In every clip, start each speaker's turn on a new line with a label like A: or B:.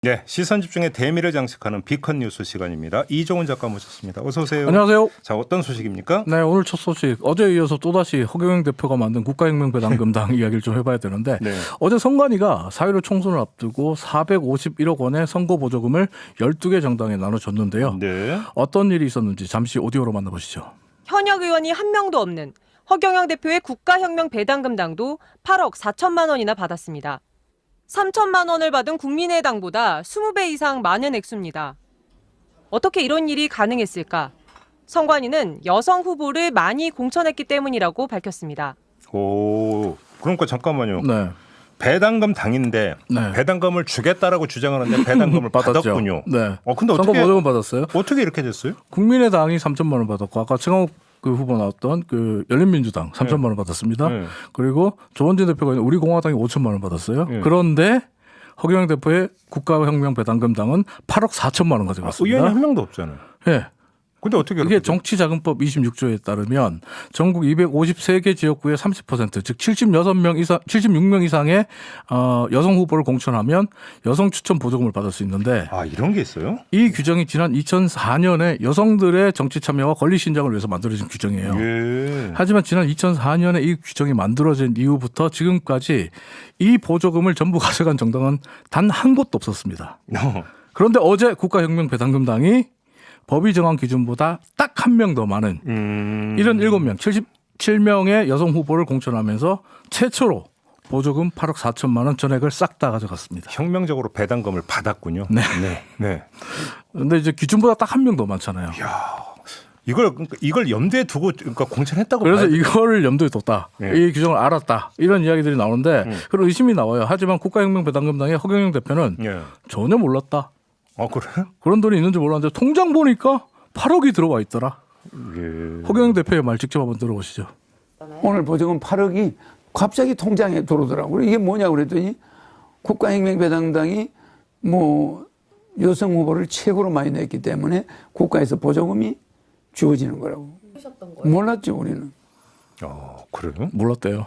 A: 네, 시선 집중의 대미를 장식하는 비컨 뉴스 시간입니다. 이종훈 작가 모셨습니다. 어서 오세요.
B: 안녕하세요.
A: 자, 어떤 소식입니까?
B: 네, 오늘 첫 소식. 어제에 이어서 또다시 허경영 대표가 만든 국가혁명배당금당 이야기를 좀 해봐야 되는데
A: 네.
B: 어제 선관위가 4.15 총선을 앞두고 451억 원의 선거보조금을 12개 정당에 나눠줬는데요.
A: 네.
B: 어떤 일이 있었는지 잠시 오디오로 만나보시죠.
C: 현역 의원이 한 명도 없는 허경영 대표의 국가혁명배당금당도 8억 4천만 원이나 받았습니다. 3천만 원을 받은 국민의당보다 20배 이상 많은 액수입니다. 어떻게 이런 일이 가능했을까? 선관위는 여성 후보를 많이 공천했기 때문이라고 밝혔습니다.
A: 오, 그러니까 잠깐만요.
B: 네.
A: 배당금 당인데
B: 네.
A: 배당금을 주겠다라고 주장하는데 배당금을 받았군요.
B: 네.
A: 근데 어떻게
B: 선거보조금 받았어요.
A: 어떻게 이렇게 됐어요?
B: 국민의당이 3천만 원 받았고 아까 최강욱 그 후보 나왔던 그 열린민주당 3천만 원 받았습니다.
A: 네.
B: 그리고 조원진 대표가 있는 우리공화당이 5천만 원 받았어요.
A: 네.
B: 그런데 허경영 대표의 국가혁명배당금당은 8억 4천만 원
A: 의원이
B: 가져갔습니다.
A: 한 명도 없잖아요.
B: 예.
A: 근데 어떻게
B: 이게
A: 이렇게
B: 정치자금법 26조에 따르면 전국 253개 지역구의 30%, 즉 76명 이상, 76명 이상의 여성 후보를 공천하면 여성 추천 보조금을 받을 수 있는데
A: 이런 게 있어요?
B: 이 규정이 지난 2004년에 여성들의 정치 참여와 권리 신장을 위해서 만들어진 규정이에요.
A: 예.
B: 하지만 지난 2004년에 이 규정이 만들어진 이후부터 지금까지 이 보조금을 전부 가져간 정당은 단 한 곳도 없었습니다. 그런데 어제 국가혁명배당금당이 법이 정한 기준보다 딱 한 명 더 많은 77명, 77명의 여성 후보를 공천하면서 최초로 보조금 8억 4천만 원 전액을 싹 다 가져갔습니다.
A: 혁명적으로 배당금을 받았군요.
B: 네.
A: 네.
B: 그런데 이제 기준보다 딱 한 명 더 많잖아요.
A: 이걸 염두에 두고 그러니까 공천했다고
B: 그래서
A: 봐야 돼요.
B: 이거를 염두에 뒀다.
A: 네.
B: 이 규정을 알았다. 이런 이야기들이 나오는데 그런 의심이 나와요. 하지만 국가혁명배당금당의 허경영 대표는
A: 예.
B: 전혀 몰랐다.
A: 그래요?
B: 그런 돈이 있는지 몰랐는데 통장 보니까 8억이 들어와 있더라.
A: 예.
B: 허경영 대표의 말 직접 한번 들어보시죠.
D: 오늘 보조금 8억이 갑자기 통장에 들어오더라고요. 이게 뭐냐고 그랬더니 국가혁명배당당이 뭐 여성 후보를 최고로 많이 냈기 때문에 국가에서 보조금이 주어지는 거라고. 몰랐죠, 우리는.
A: 그래요?
B: 몰랐대요.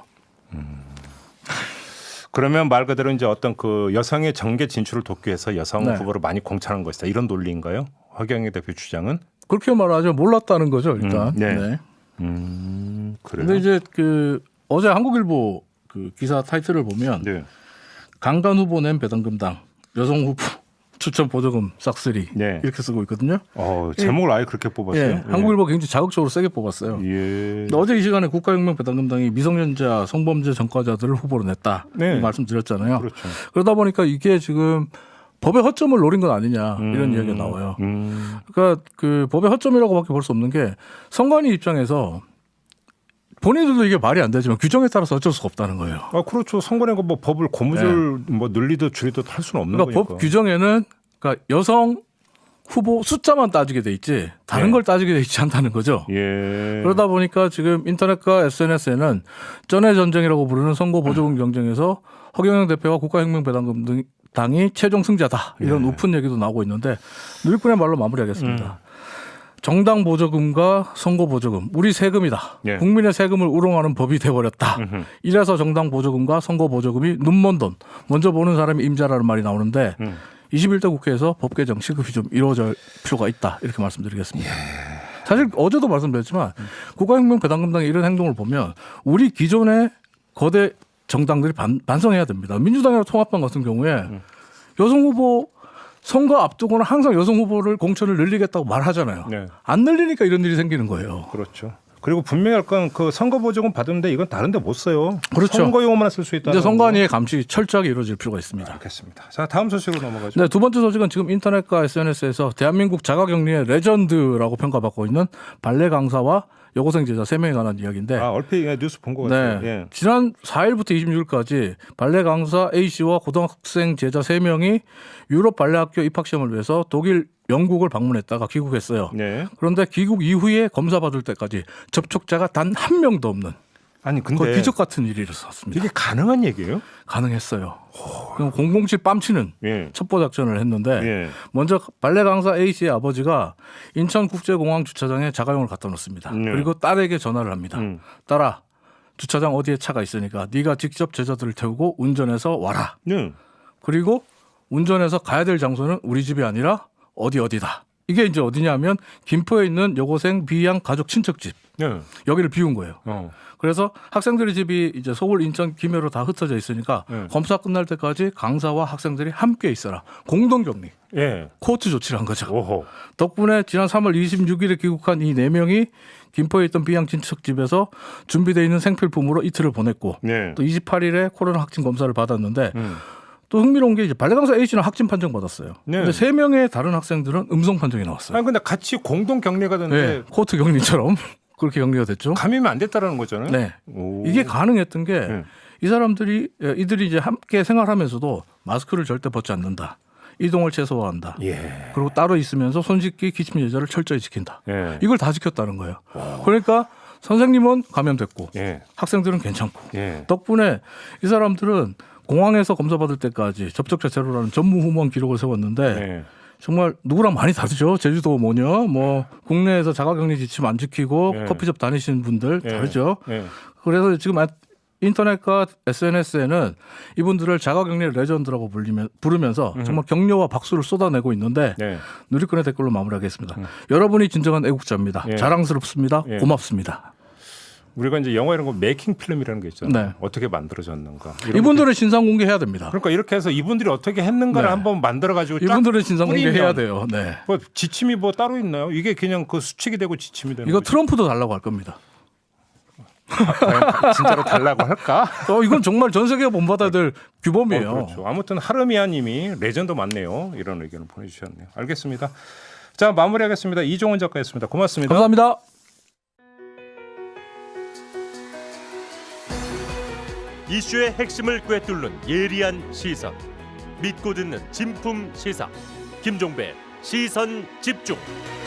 A: 그러면 말 그대로 이제 어떤 그 여성의 정계 진출을 돕기 위해서 여성
B: 네.
A: 후보를 많이 공천한 것이다. 이런 논리인가요? 허경영 대표 주장은?
B: 그렇게 말하죠. 몰랐다는 거죠, 일단.
A: 네.
B: 네.
A: 그래요.
B: 근데 이제 그 어제 한국일보 그 기사 타이틀을 보면
A: 네.
B: 강간 후보 낸 배당금당 여성 후보 추천 보조금 싹쓸이
A: 네.
B: 이렇게 쓰고 있거든요.
A: 제목을 아예 그렇게 뽑았어요.
B: 예, 한국일보 굉장히 자극적으로 세게 뽑았어요.
A: 예.
B: 근데 어제 이 시간에 국가혁명배당금당이 미성년자 성범죄 전과자들을 후보로 냈다
A: 네.
B: 이 말씀드렸잖아요.
A: 그렇죠.
B: 그러다 보니까 이게 지금 법의 허점을 노린 건 아니냐 이런 이야기가 나와요. 그러니까 그 법의 허점이라고밖에 볼 수 없는 게 선관위 입장에서 본인들도 이게 말이 안 되지만 규정에 따라서 어쩔 수가 없다는 거예요.
A: 그렇죠. 선관위가 뭐 법을 고무줄 뭐 늘리듯 줄이듯 할 수는 없는
B: 그러니까
A: 거니까.
B: 법 규정에는 그러니까 여성 후보 숫자만 따지게 돼 있지 다른
A: 네.
B: 걸 따지게 돼 있지 않다는 거죠.
A: 예.
B: 그러다 보니까 지금 인터넷과 SNS에는 전의 전쟁이라고 부르는 선거 보조금 경쟁에서 허경영 대표와 국가혁명배당금당이 최종 승자다 이런
A: 네.
B: 우픈 얘기도 나오고 있는데 누리꾼의 말로 마무리하겠습니다. 정당 보조금과 선거 보조금 우리 세금이다.
A: 예.
B: 국민의 세금을 우롱하는 법이 돼버렸다. 이래서 정당 보조금과 선거 보조금이 눈먼 돈 먼저 보는 사람이 임자라는 말이 나오는데 21대 국회에서 법 개정 시급이 좀 이루어질 필요가 있다 이렇게 말씀드리겠습니다. 사실 어제도 말씀드렸지만 국가혁명배당금당의 이런 행동을 보면 우리 기존의 거대 정당들이 반성해야 됩니다. 민주당이나 통합당 같은 경우에 여성 후보 선거 앞두고는 항상 여성 후보를 공천을 늘리겠다고 말하잖아요.
A: 네.
B: 안 늘리니까 이런 일이 생기는 거예요.
A: 그렇죠. 그리고 분명히 할 건 그 선거 보조금 받는데 이건 다른 데 못 써요.
B: 그렇죠.
A: 선거용으로만 쓸 수 있다.
B: 이제 선관위의 감시 철저하게 이루어질 필요가 있습니다.
A: 알겠습니다. 자, 다음 소식으로 넘어가죠.
B: 네, 두 번째 소식은 지금 인터넷과 SNS에서 대한민국 자가격리의 레전드라고 평가받고 있는 발레 강사와 여고생 제자 3명에 관한 이야기인데
A: 얼핏 뉴스 본 것 같아요.
B: 네.
A: 예.
B: 지난 4일부터 26일까지 발레 강사 A씨와 고등학생 제자 3명이 유럽 발레학교 입학시험을 위해서 독일, 영국을 방문했다가 귀국했어요.
A: 네.
B: 그런데 귀국 이후에 검사받을 때까지 접촉자가 단 한 명도 없는
A: 아니 근데
B: 거의 기적 같은 일이 일어났습니다.
A: 이게 가능한 얘기예요?
B: 가능했어요. 그럼 007 뺨치는
A: 예.
B: 첩보 작전을 했는데
A: 예.
B: 먼저 발레 강사 A씨의 아버지가 인천국제공항 주차장에 자가용을 갖다 놓습니다.
A: 네.
B: 그리고 딸에게 전화를 합니다. 딸아, 주차장 어디에 차가 있으니까 네가 직접 제자들을 태우고 운전해서 와라.
A: 네.
B: 그리고 운전해서 가야 될 장소는 우리 집이 아니라 어디다. 이게 이제 어디냐면 김포에 있는 여고생 B양 가족 친척집.
A: 네.
B: 여기를 비운 거예요.
A: 어.
B: 그래서 학생들의 집이 이제 서울, 인천, 김해로 다 흩어져 있으니까 검사 끝날 때까지 강사와 학생들이 함께 있어라. 공동격리.
A: 예.
B: 코호트 조치를 한 거죠.
A: 오호.
B: 덕분에 지난 3월 26일에 귀국한 이 4명이 김포에 있던 B양 친척집에서 준비되어 있는 생필품으로 이틀을 보냈고
A: 네.
B: 또 28일에 코로나 확진 검사를 받았는데 또 흥미로운 게 이제 발레강사 A씨는 확진 판정 받았어요.
A: 네.
B: 근데 3명의 다른 학생들은 음성 판정이 나왔어요.
A: 아니 근데 같이 공동 격리가 됐는데
B: 네, 코호트 격리처럼 그렇게 격리가 됐죠.
A: 감염이 안 됐다라는 거잖아요.
B: 네.
A: 오.
B: 이게 가능했던 게
A: 네.
B: 이 이들이 이제 함께 생활하면서도 마스크를 절대 벗지 않는다. 이동을 최소화한다.
A: 예.
B: 그리고 따로 있으면서 손 씻기, 기침 예절을 철저히 지킨다.
A: 예.
B: 이걸 다 지켰다는 거예요. 그러니까 선생님은 감염됐고
A: 예.
B: 학생들은 괜찮고
A: 예.
B: 덕분에 이 사람들은 공항에서 검사받을 때까지 접촉자 제로라는 전무후무한 기록을 세웠는데
A: 예.
B: 정말 누구랑 많이 다르죠. 제주도 뭐냐, 뭐 국내에서 자가격리 지침 안 지키고
A: 예.
B: 커피숍 다니시는 분들
A: 예.
B: 다르죠.
A: 예.
B: 그래서 지금 인터넷과 SNS에는 이분들을 자가격리 레전드라고 부르면서 정말 격려와 박수를 쏟아내고 있는데
A: 네.
B: 누리꾼의 댓글로 마무리하겠습니다. 여러분이 진정한 애국자입니다.
A: 예.
B: 자랑스럽습니다.
A: 예.
B: 고맙습니다.
A: 우리가 이제 영화 이런 거 메이킹 필름이라는 게 있잖아요.
B: 네.
A: 어떻게 만들어졌는가. 이런
B: 이분들은 진상 공개해야 됩니다.
A: 그러니까 이렇게 해서 이분들이 어떻게 했는가를
B: 네.
A: 한번 만들어 가지고
B: 이분들은 진상 공개해야 돼요. 네.
A: 뭐 지침이 뭐 따로 있나요? 이게 그냥 그 수칙이 되고 지침이 되는
B: 이거
A: 거죠?
B: 트럼프도 달라고 할 겁니다.
A: 과연 진짜로 달라고 할까?
B: 이건 정말 전 세계가 본받아야 될 규범이에요.
A: 그렇죠. 아무튼 하르미아님이 레전드 맞네요. 이런 의견을 보내주셨네요. 알겠습니다. 자 마무리하겠습니다. 이종원 작가였습니다. 고맙습니다.
B: 감사합니다.
E: 이슈의 핵심을 꿰뚫는 예리한 시선, 믿고 듣는 진품 시사 김종배 시선 집중.